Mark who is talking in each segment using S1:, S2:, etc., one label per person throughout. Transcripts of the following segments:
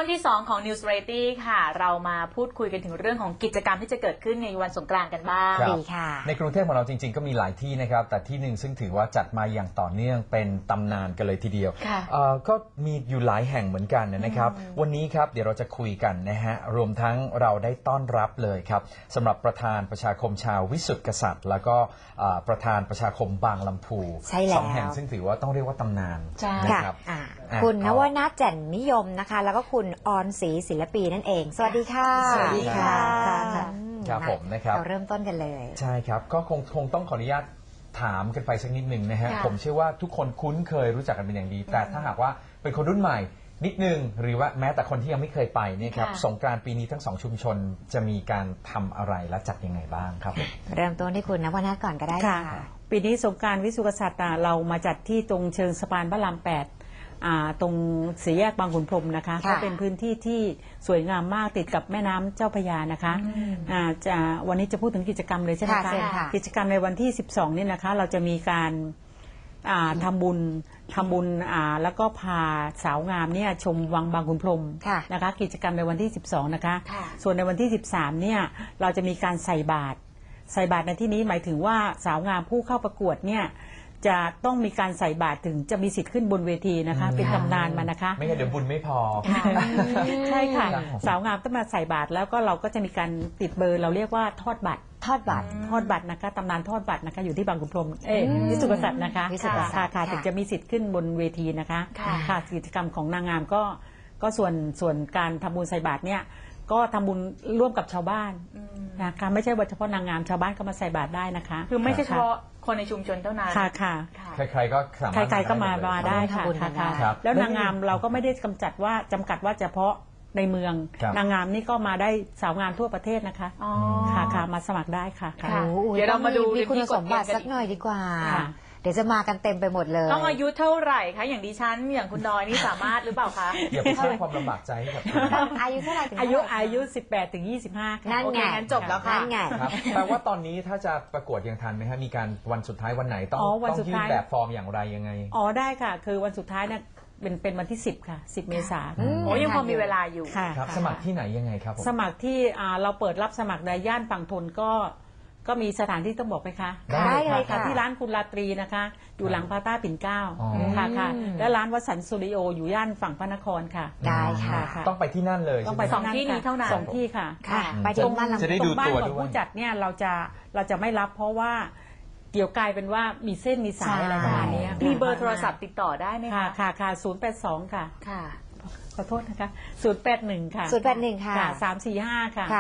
S1: วงที่2ของ News Variety ค่ะเรามาพูดคุยกันถึงเรื่องของกิจกรรมที่จะเกิดขึ้นในวันสงกรานต์กันบ้าง
S2: ดีค่ะในกรุงเทพของเราจริงๆก็มีหลายที่นะครับแต่ที่หนึ่งซึ่งถือว่าจัดมาอย่างต่อเนื่องเป็นตำนานกันเลยทีเดียวก็มีอยู่หลายแห่งเหมือนกันนะครับวันนี้ครับเดี๋ยวเราจะคุยกันนะฮะรวมทั้งเราได้ต้อนรับเลยครับสำหรับประธานประชาคมชาววิสุทธิกษัตริย์แล้วก็ประธานประชาคมบางลำพูสองแห่งซึ่งถือว่าต้องเรียกว่าตำนานนะครับ
S3: คุณนวนัทแจ่นนิยมนะคะแล้วก็คุณออนศรีศิลปีนั่นเองสวัสดีค่ะ
S2: สวัสดีค่ะครับผมนะครับ
S3: เราเริ่มต้นกันเลย
S2: ใช่ครับก็คงต้องขออนุญาตถามกันไปสักนิดหนึ่งนะฮะผมเชื่อว่าทุกคนคุ้นเคยรู้จักกันเป็นอย่างดีแต่ถ้าหากว่าเป็นคนรุ่นใหม่นิดนึงหรือว่าแม้แต่คนที่ยังไม่เคยไปเนี่ยครับสงกรานต์ปีนี้ทั้ง2ชุมชนจะมีการทำอะไรและจัดยังไงบ้างครับ
S3: เริ่มต้นที่คุณนวนัทก่อนก็ได้ค่ะ
S4: ปีนี้สงกรานต์วิสุทธิกษัตริย์เรามาจัดที่ตรงเชิงสะพานพระราม8ตรงสี่แยกบางขุนพรหมนะคะก็เป็นพื้นที่ที่สวยงามมากติดกับแม่น้ำเจ้าพระยานะคะวันนี้จะพูดถึงกิจกรรมเลยใช่ไหมคะกิจกรรมในวันที่12นี่นะคะเราจะมีการทำบุญแล้วก็พาสาวงามเนี่ยชมวังบางขุนพรหมนะคะกิจกรรมในวันที่12นะคะส่วนในวันที่13เนี่ยเราจะมีการใส่บาตรในที่นี้หมายถึงว่าสาวงามผู้เข้าประกวดเนี่ยจะต้องมีการใส่บาตรถึงจะมีสิทธิ์ขึ้นบนเวทีนะคะเป็นตำนานมานะคะ
S2: ไม่งั้นเดี๋ยวบุญไม่พอ
S4: ใช่ค่ะสาวงามต้องมาใส่บาตรแล้วก็เราก็จะมีการติดเบอร์เราเรียกว่าทอดบัตรนะคะตำนานทอดบัตรนะคะอยู่ที่บางขุนพรหมวิสุทธิกษัตริย์นะคะค่ะถึงจะมีสิทธิ์ขึ้นบนเวทีนะคะค่ะกิจกรรมของนางงามก็ส่วนการทำบุญใส่บาตรเนี่ยก็ทำบุญร่วมกับชาวบ้านนะคะไม่ใช่ว่าเฉพาะนางงามชาวบ้านก็มาใส่บาตรได้นะคะ
S1: คือไม่ใช่เฉพาะคนในชุมชนเท่านั้น
S4: ค่ะ
S2: ใครๆก็สามารถ
S4: ใครๆก็มาได้ค่ะแล้วนางงามเราก็ไม่ได้จำกัดว่าเฉพาะในเมืองนางงามนี่ก็มาได้สาวงามทั่วประเทศนะคะค่ะมาสมัครได้ค่ะ
S3: เดี๋ยวเรามาดูคุณสมบัติสักหน่อยดีกว่าเดี๋ยวจะมากันเต็มไปหมดเลย
S1: ต้องอายุเท่าไหร่คะอย่างดิฉันอย่างคุณดอยนี่สามารถหรือเปล่าคะ
S2: อย่าไปสร้างความลำบากใจให้กับ
S3: อายุเท่าไหร่ถึง
S4: อายุ18 ถึง 25
S3: นั่นไง
S1: จบแล้วค่ะ
S3: นั่นไง
S2: แปลว่าตอนนี้ถ้าจะประกวดยังทันไหมฮะมีการวันสุดท้ายวันไหนต้องยื่นแบบฟอร์มอย่างไรยังไง
S4: ได้ค่ะคือวันสุดท้ายเนี่ยเป็นวันที่10ค่ะ10 เมษายน
S1: ยังพอมีเวลาอยู่
S2: ครับสมัครที่ไหนยังไงครับ
S4: สมัครที่เราเปิดรับสมัครในย่านฝั่งทนก็มีสถานที่ต้องบอกไหมคะ
S3: ได้เลยค่ะ
S4: ที่ร้านคุณราตรีนะคะอยู่หลังพาต้าปิ่นเกล้าค่ะและร้านวัสันต์สตูดิโออยู่ย่านฝั่งพระนครค่ะ
S3: ได้ค่ะ
S2: ต้องไปที่นั่นเลย
S4: ต้องไป2 ที่นี้เท่านั้น2 ที่ค่ะ
S3: ไปตรงบ้าน
S2: จะได้ดูตัวด้วย
S4: ผู้จัดเนี่ยเราจะไม่รับเพราะว่าเกี่ยวกลายเป็นว่ามีเส้นมีสายอะไรประมาณนี้
S1: มีเบอร์โทรศัพท์ติดต่อได้ไหมคะ
S4: ค่ะ082ค่ะขอโทษนะคะ081ค่ะ
S3: 081ค่ะ
S4: 345ค่ะ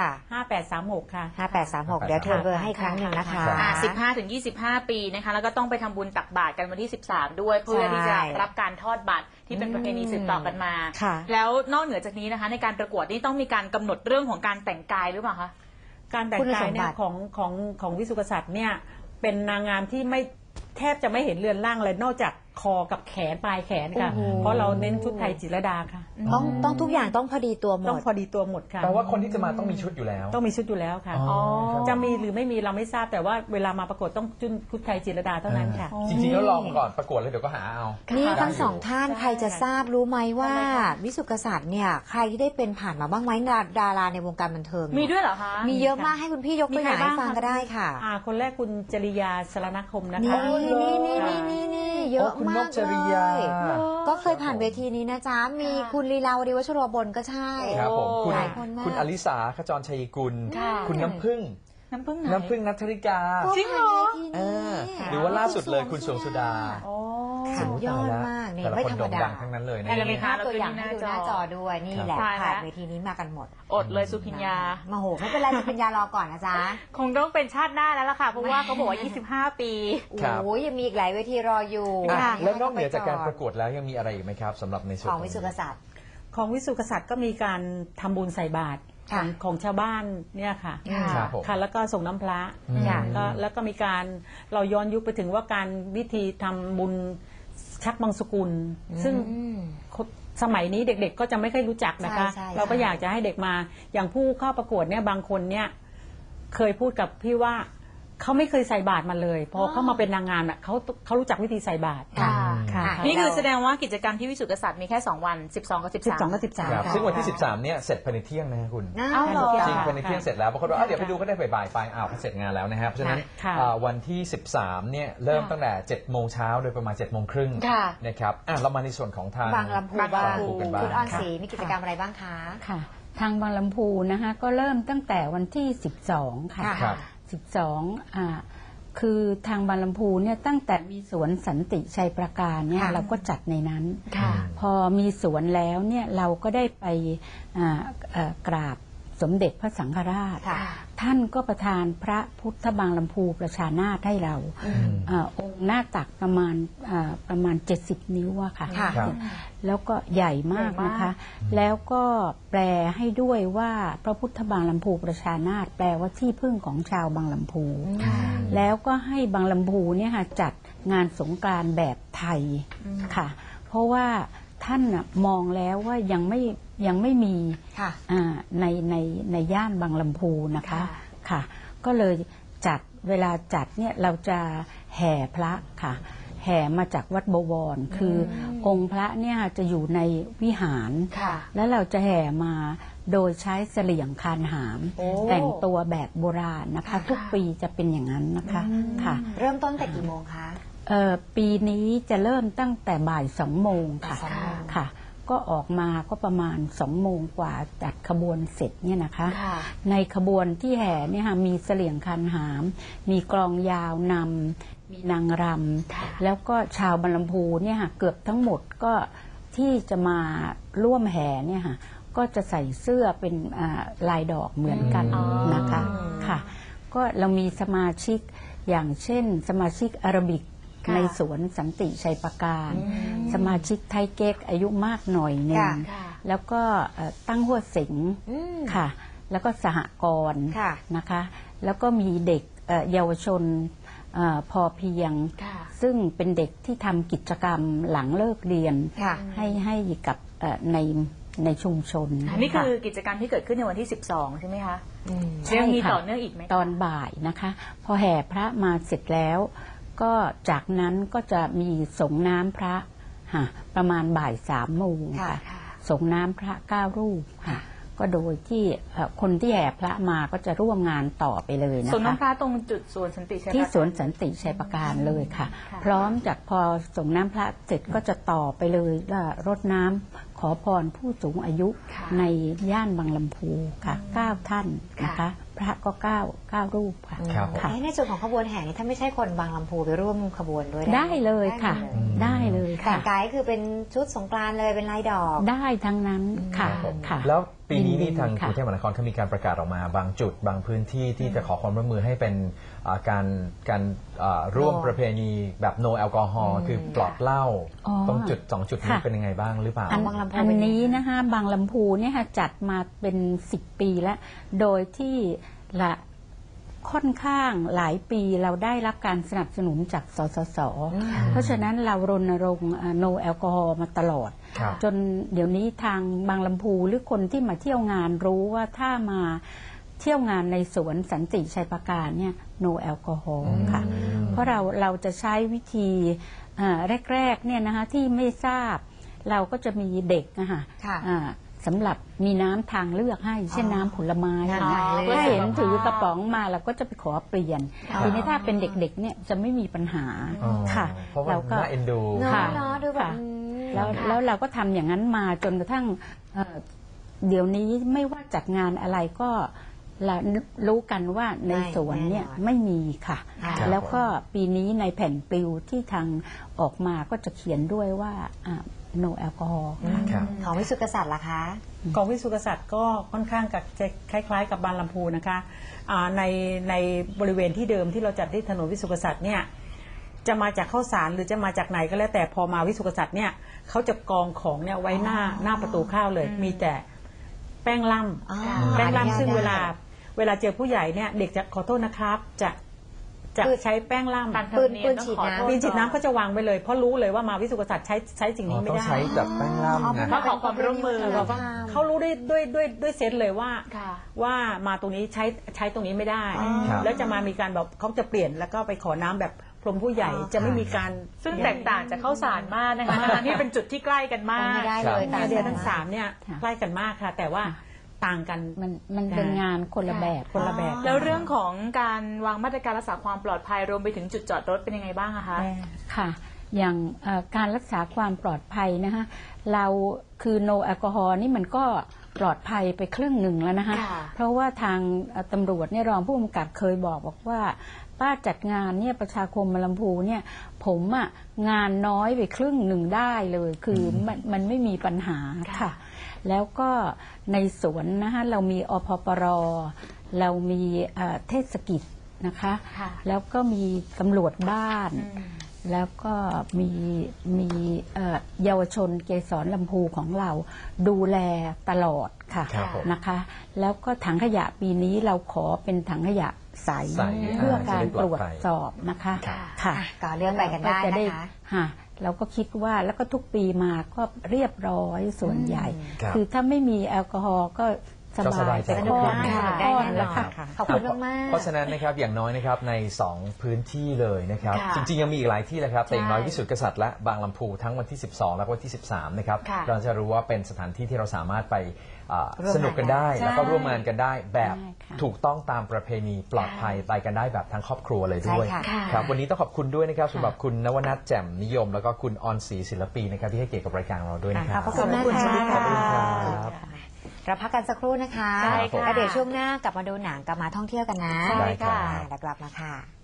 S4: 5836ค่ะ
S3: 5836เดี๋ยวโทรเบอร์ให้ครั้งหนึ่งนะคะ
S1: 15 ถึง 25 ปีนะคะแล้วก็ต้องไปทำบุญตักบาตรกันวันที่13ด้วยเพื่อที่จะรับการทอดบัตรที่เป็นประเพณีสืบต่อกันมาแล้วนอกเหนือจากนี้นะคะในการประกวดนี่ต้องมีการกำหนดเรื่องของการแต่งกายหรือเปล่าคะ
S4: การแต่งกายเนี่ยของวิสุทธิกษัตริย์เนี่ยเป็นนางงามที่ไม่แทบจะไม่เห็นเรือนร่างเลยนอกจากคอกับแขนปลายแขนค่ะเพราะเราเน้นชุดไทยจิตรลดาค่ะ
S3: ต้องทุกอย่างต้องพอดีตัวหมด
S4: ต้องพอดีตัวหมดค่ะ
S2: แปลว่าคนที่จะมาต้องมีชุดอยู่แล้ว
S4: ต้องมีชุดอยู่แล้วค่ะจะมีหรือไม่มีเราไม่ทราบแต่ว่าเวลามาประกวดต้องชุดไทยจิตรลดาเท่านั้นค่ะ
S2: จริงๆแล้วลองก่อนประกวดเลยเดี๋ยวก็หาเอา
S3: นี่ทั้ง2 ท่านใครจะทราบรู้ไหมว่าวิสุทธิกษัตริย์เนี่ยใครที่ได้เป็นผ่านมาบ้างไหมดาราในวงการบันเทิง
S1: มีด้วยเหรอคะ
S3: มีเยอะมากให้คุณพี่ยกตัวอย่างให้ฟังก็ได้ค่ะ
S4: คนแรกคุณจริยาสรณคมนะคะ
S3: นี่เยอะมากเลยก็เคยผ่านเวทีนี้นะจ๊ะมีคุณลีลาวดีวัชโรบลก็ใช่
S2: ครับผมคุณอลิสาขจรชัยกุลคุณน้ำผึ้งนัทธริกา
S1: จริงเหรอ
S2: หรือว่าล่าสุดเลยคุณสวงสุดา
S3: สุดยอดมากนี่ไม่ธรรมดา
S2: ทั้งนั้นเลยนะ
S3: มีภาพตัวอย่างให้ดูหน้าจอด้วยนี่แหละผ่านเวทีนี้มากันหมด
S1: อดเลยสุพิญญา
S3: มาโหไม่เป็นไรสุพิญญารอก่อนนะจ๊ะ
S1: คงต้องเป็นชาติหน้าแล้วล่ะค่ะเพราะว่าเขาบอกว่า25 ปี
S3: โอ้ยยังมีอีกหลายเวทีรออยู่
S2: แล้วนอกเหนือจากการประกวดแล้วยังมีอะไรอีกไหมครับสำหรับในส่วน
S3: ของวิสุทธิกษัตริย์
S4: ก็มีการทำบุญใส่บาตรของชาวบ้านเนี่ยค่ะแล้วก็ส่งน้ำพระแล้วก็มีการเราย้อนยุคไปถึงว่าการวิธีทำบุญชักบังสกุลซึ่งสมัยนี้เด็กๆก็จะไม่ค่อยรู้จักนะคะเราก็อยากจะให้เด็กมาอย่างผู้เข้าประกวดเนี่ยบางคนเนี่ยเคยพูดกับพี่ว่าเขาไม่เคยใส่บาตรมาเลยพอเขามาเป็นนางงามน่ะเขารู้จักวิธีใส่บาตร
S1: ค่ะ
S4: ค่ะ
S1: นี่คือแสดงว่ากิจกรรมที่วิสุทธิกษัตริย์มีแค่ 2 วัน 12 กับ 13
S4: 12 กับ 13
S2: ครับ
S4: ค่ะ
S2: ซึ่งวันที่ 13 เนี่ยเสร็จภายในเที่ยงนะคุณ
S3: อ้าวเหรอ
S2: จริงภายในเที่ยงเสร็จแล้วบางคนว่าเดี๋ยวไปดูก็ได้บ่ายๆไปอ้าวเสร็จงานแล้วนะครับเพราะฉะนั้น
S4: ค่ะ
S2: วันที่ 13 เนี่ยเริ่มตั้งแต่7 โมงเช้าโดยประมาณ7 โมงครึ่ง
S1: ค่ะ
S2: นะครับเรามาในส่วนของทาง
S3: บางลำพู
S1: บาง
S3: บ้าง
S1: ลำพู
S2: กันบ้าง
S3: คุณออนศรีมีกิจกรรมอะไรบ้างคะ
S5: ค่ะทางบางลำพูนะคะก็เริ่มตั้งแต่วันที่ 12 ค่ะ
S2: ครับ
S5: 12คือทางบางลำพูเนี่ยตั้งแต่มีสวนสันติชัยประการเนี่ย
S3: ค่ะ
S5: เราก็จัดในนั้น
S1: ค่ะ
S5: พอมีสวนแล้วเนี่ยเราก็ได้ไปกราบสมเด็จพระสังฆราช
S3: ค่ะ
S5: ท่านก็ประทานพระพุทธบางลำพูประชานาถให้เราองค์หน้าตักประมาณ 70 นิ้วอะค่ะ
S3: ค่ะ
S2: ครับ
S5: แล้วก็ใหญ่มากนะคะ แล้วก็แปลให้ด้วยว่าพระพุทธบางลำพูประชานาถแปลว่าที่พึ่งของชาวบางลำพู แล้วก็ให้บางลำพูเนี่ยค่ะจัดงานสงกรานต์แบบไทยค่ะ เพราะว่าท่านน่ะมองแล้วว่ายังไม่มี
S3: ค่ะ
S5: ในย่านบางลำพูนะคะ
S1: ค่ะ
S5: ค่ะ ก็เลยจัดเวลาจัดเนี่ยเราจะแห่พระค่ะ แห่มาจากวัดบวรคือองค์พระเนี่ยจะอยู่ในวิหาร
S1: ค่ะ
S5: แล้วเราจะแห่มาโดยใช้เสลี่ยงคานหาม
S3: โอ้
S5: แต่งตัวแบบโบราณนะคะ ทุกปีจะเป็นอย่างนั้นนะคะค่ะ
S3: เริ่มต้นแต่กี่โมงคะ
S5: ปีนี้จะเริ่มตั้งแต่บ่าย 2 โมงค่ะ
S3: บ่าย 2 โมง
S5: ค่ะ ก็ออกมาก็ประมาณ 2 โมงกว่าจัดขบวนเสร็จเนี่ยนะคะ
S1: ค่ะ
S5: ในขบวนที่แห่เนี่ยค่ะมีเสลี่ยงคันหาม มีกลองยาวนำมีนางรำแล้วก็ชาวบรรลำพูเนี่ยค่ะเกือบทั้งหมดก็ที่จะมาร่วมแห่เนี่ยค่ะก็จะใส่เสื้อเป็นลายดอกเหมือนกันนะคะค่ะ ก็เรามีสมาชิกอย่างเช่น สมาชิกอาราบิก
S1: ค่ะ
S5: ในสวนสันติชัยประการ สมาชิกไทยเก๊กอายุมากหน่อยหนึ่ง
S3: ค่ะ
S1: ค่ะ
S5: แล้วก็ตั้งหัวสิง
S3: อืม
S5: ค่ะ แล้วก็สหกรณ์
S3: ค่ะ
S5: นะคะ แล้วก็มีเด็กเยาวชนพอเพียง
S1: ค่ะ
S5: ซึ่งเป็นเด็กที่ทำกิจกรรมหลังเลิกเรียน
S3: ค่ะ
S5: ให้กับในชุมชน
S1: นี่คือ
S5: ค่ะ
S1: กิจกรรมที่เกิดขึ้นในวันที่ 12 ใช่ไหมคะ
S5: ใช่
S1: ยังมี
S5: ค่ะ
S1: ต่อเนื่องอีกไหมคะ
S5: ตอนบ่ายนะคะ พอแห่พระมาเสร็จแล้ว ก็จากนั้นก็จะมีสงน้ำพระค่ะประมาณบ่าย 3 โมง
S3: ค่ะ
S5: ค่ะสงน้ำพระ9 รูปค่ะ ก็โดยที่คนที่แห่พระมาก็จะร่วมงานต่อไปเลยนะคะ
S1: ส่วนน้ำพระตรงจุดสวนสันติชัย
S5: ที่
S1: ประการ
S5: สวนสันติชัยประการเลยค่ะ
S1: ค่ะ
S5: พร้อมจากพอส่งน้ำพระเสร็จก็จะต่อไปเลยรดน้ำขอพรผู้สูงอายุ
S1: ค่ะ
S5: ในย่านบางลำพูค่ะ9 ท่านนะคะ พระก็9รูปค่ะ
S2: ครับผม
S5: ค่ะ
S3: ในส่วนของขบวนแห่นี่ถ้าไม่ใช่คนบางลำพูไปร่วมขบวนด้วย
S5: ได้เลยค่ะ ได้เลย
S3: แต่
S5: ค่ะ
S3: งกายคือเป็นชุดสงกรานต์เลยเป็นลายดอก
S5: ได้ทั้งนั้นค่ะ
S2: ครับผม
S5: ค่ะ
S2: แล้วปีนี้นี่ทางก
S5: ค่ะ
S2: รุงเทพมหานครเขามีการประกาศออกมาบางจุดบางพื้นที่ที่จะขอความร่วมมือให้เป็นการร่วม
S3: No
S2: ประเพณีแบบ no แอลกอฮอล์คือปลอดเหล้า
S5: อ๋อ
S2: ตรงจุด2 จุดนี้
S5: ค่ะ
S2: เป็นยังไงบ้างหรือเปล่า
S3: บางลำพู
S5: อัน
S3: เป็น
S5: นี้นะคะบางลำพูเนี่ยค่ะจัดมาเป็น10 ปีแล้ว โดยที่ละค่อนข้างหลายปีเราได้รับการสนับสนุนจากสสส เพราะฉะนั้นเรารณรงค์โนแอลกอฮอล์มาตลอด
S2: ครับ
S5: จนเดี๋ยวนี้ทางบางลำพูหรือคนที่มาเที่ยวงานรู้ว่าถ้ามาเที่ยวงานในสวนสันติชัยประการเนี่ยโนแอลกอฮอล์ค่ะ เพราะเราจะใช้วิธีแรกๆเนี่ยนะคะที่ไม่ทราบเราก็จะมีเด็กนะคะ
S3: ค่ะ
S5: สำหรับมีน้ำทางเลือกให้เช่นน้ำผลไม้
S3: น้ำ
S5: นะ
S3: ทางเลือก
S5: ถ้าเห็นถือกระป๋องมาเราก็จะไปขอเปลี่ยน
S3: อ๋อ
S5: ทีนี้ถ้าเป็นเด็กๆเนี่ยจะไม่มีปัญหา
S2: อ๋อ
S5: ค่ะ
S2: เพราะว่า
S5: เราก็
S2: น่าเอ็นดู
S3: เนาะ
S5: ค่ะ
S3: เนาะดูแบบ
S5: ค่ะ แล้วเราก็ทำอย่างนั้นมาจนกระทั่งเดี๋ยวนี้ไม่ว่าจัดงานอะไรก็เรารู้กันว่าในสวนเนี่ยไม่มีค่ะ
S2: ครับ
S5: แล้วก็ปีนี้ในแผ่นปลิวที่ทางออกมาก็จะเขียนด้วยว่าno แอลกอฮอล์ค่ะ
S2: ครับ
S3: ของวิสุทธิกษัตริย์ล่ะคะ
S4: กองวิสุทธิกษัตริย์ก็ค่อนข้างกับจะคล้ายๆ กับบางลำพูนะคะในบริเวณที่เดิมที่เราจัดที่ถนนวิสุทธิกษัตริย์เนี่ยจะมาจากข้าวสารหรือจะมาจากไหนก็แล้วแต่พอมาวิสุทธิกษัตริย์เนี่ยเขาจะกองของเนี่ยไว้หน้าประตูข้าวเลย มีแต่แป้งล่
S3: อ๋อ
S4: ำแป้ง
S3: อนุญาต
S4: ล่ำซึ่ง
S3: ได้
S4: เวลาเจอผู้ใหญ่เนี่ยเด็กจะขอโทษนะครับจะใช้แป้งล่ำ
S1: ตามธรรมเนียม
S3: ปืน
S1: ต้อง
S3: ฉีด
S1: ขอ
S3: น้ำ
S1: โทษ
S4: ปีนฉีดน้ำ
S1: ก่อ
S4: ก็จะวางไว้เลยเพราะรู้เลยว่ามาวิสุทธิกษัตริย์ใช้สิ่ง
S2: อ๋อ
S4: นี้ไม่
S2: ต้อง
S4: ได้
S2: ใช้แบบแป้งล่ำนะ
S1: มาขอความร่วมมือ
S3: เราก็
S4: เขารู้ด้วยเซนส์เลยว่า
S1: ค่ะ
S4: ว่ามาตรงนี้ใช้ตรงนี้ไม่ได้
S2: ครับ
S4: แล้วจะมามีการแบบเขาจะเปลี่ยนแล้วก็ไปขอน้ำแบบพรมผู้ใหญ่จะไม่มีการ
S1: ซึ่งแตกต่างจากข้าวสารมากนะคะทั้งที่เป็นจุดที่ใกล้กันมาก
S3: ไม่ได้เลย
S4: ไอเดียทั้ง
S3: มาก
S4: สามเนี่ย
S5: ค่ะ
S4: ใกล้กันมากค่ะ แต่ว่าต่างกัน
S5: มันเป็นงานคนละแบบ
S4: คนละแบบ
S1: แล้วเรื่องของการวางมาตรการรักษาความปลอดภัยรวมไปถึงจุดจอดรถเป็นยังไงบ้างอะคะ
S5: ค่ะ อย่างการรักษาความปลอดภัยนะคะเราคือ no แอลกอฮอล์นี่มันก็ปลอดภัยไปครึ่งหนึ่งแล้วนะคะ
S1: ค่ะ
S5: เพราะว่าทางตำรวจเนี่ยรองผู้กำกับเคยบอกว่าป้าจัดงานเนี่ยประชาคมลำพูเนี่ยผมอะงานน้อยไปครึ่งหนึ่งได้เลยคือมันไม่มีปัญหาค่ะ แล้วก็ในสวนนะคะเรามีอพปรเรามีเทศกิจนะคะ
S1: ค่ะ
S5: แล้วก็มีตำรวจบ้าน แล้วก็มีเยาวชนเกษรลำพูของเราดูแลตลอดค่ะ
S2: ครับผม
S5: นะคะ แล้วก็ถังขยะปีนี้เราขอเป็นถังขยะใส
S2: ใส
S5: เพื่อการ
S2: จะได้ป
S5: ต
S2: ล
S5: ร
S2: อ
S5: ว
S2: ด
S5: จ
S2: ภัย
S5: สอบนะคะ
S2: ครับ
S5: ค่ะ
S3: ก็เลื่อนไปกันได้
S5: จะ
S3: นะคะ
S5: ค่ะเราก็คิดว่าแล้วก็ทุกปีมาก็เรียบร้อยส่วนใหญ่
S2: ครับ
S5: คือถ้าไม่มีแอลกอฮอล์ก็ส
S2: ก็ส
S5: บา
S2: บาย ยใจ
S5: ไป
S2: ขึ้น
S5: ก้อน
S3: ค่ะ
S5: ก้อน
S3: ได้แน่นอน
S5: แล้วค่ะ
S3: ขอบคุณมากๆ
S2: เพราะฉะนั้นนะครับอย่างน้อยนะครับใน 2 พื้นที่เลยนะครับ
S1: ค่ะ
S2: จริงๆยังมีอีกหลายที่เลยครับแต่อย่างน้อย
S1: ใช่
S2: วิสุทธิกษัตริย์และบางลำพูทั้งวันที่ 12 และวันที่ 13 นะครับ
S1: ค่ะ
S2: เราจะรู้ว่าเป็นสถานที่ที่เราสามารถไป
S3: ร่วมงาน
S2: สนุกกันได้
S1: ใช่
S2: แล้วก็ร่วมงานกันได้แบบ
S5: ใช่ค่ะ
S2: ถูกต้องตามประเพณีปลอดภัยไปกันได้แบบทั้งครอบครัวเลยด้วย
S3: ใช่ค่ะ
S2: ครับวันนี้ต้องขอบคุณด้วยนะครับสำหรับคุณนวนัทแจ่มนิยม แล้วก็คุณออนศรีศิลปีนะครับที่ให้เกียรติกับรายการเราด้วยนะครับ
S3: ขอบคุณมาก
S1: ขอบคุณ
S3: ค่ะ
S1: ค่ะ
S2: ครับ
S3: เราพักกันสักครู่นะคะ
S1: ใช่ค่ะ
S3: แล้วเดี๋ยวช่วงหน้ากลับมาดูหนังกลับมาท่องเที่ยวกันนะ
S1: ใช่ค่ะ
S3: แล้วกลับมาค่ะ